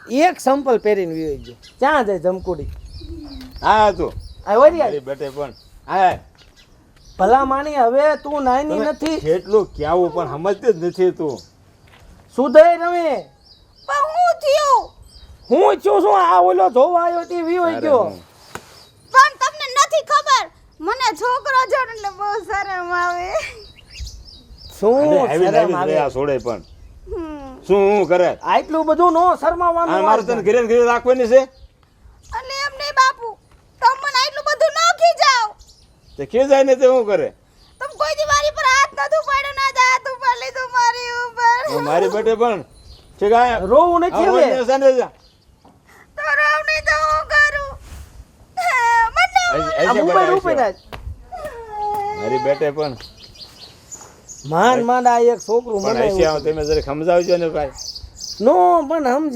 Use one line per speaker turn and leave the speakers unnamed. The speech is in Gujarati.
એક સંપલ પહેરીને વી ગયો ક્યાં જાય ધમકુડી
હા તું
આ વરી
મારી બેટે પણ હા
ભલા માણી હવે તું નાની
તમે
નથી
કેટલું ક્યાવું પણ સમજતી જ નથી તું
સુધય રમે
પણ હું થયું
હું છું શું આ ઓલો જોવા આવ્યો તે વી
તારે
ગયો
હું.
પણ તમને નથી ખબર મને છોકરો જોડ એટલે બહુ શરમ આવે
શું
અને આવી
શરમ
લાવી
આવે?
આ છોડે પણ
હમ.
શું હું કરે
આટલું બધું નો
આ
શરમાવાનું
મારે તને ઘરે ને ઘરે રાખવાની છે
એટલે એમ નહીં બાપુ તમે મને આટલું બધું ન ખીજાવ
તે ખીજાય ને તે શું કરે
તમે કોઈ દી મારી પર હાથ નતું પાડ્યો ના જ હાથ ઉપર લીધું મારી ઉપર
હું મારી બેટે પણ ઠીક આ
રોવું નથી હવે
તો રાવ નહીં તો હું કરું મને
આ ઉપર ઉપર જ
મારી બેટે પણ
માંડ માંડ આ એક છોકરું
પણ
મને
તમે જરા સમજાવજો ને ભાઈ
નો પણ સમજ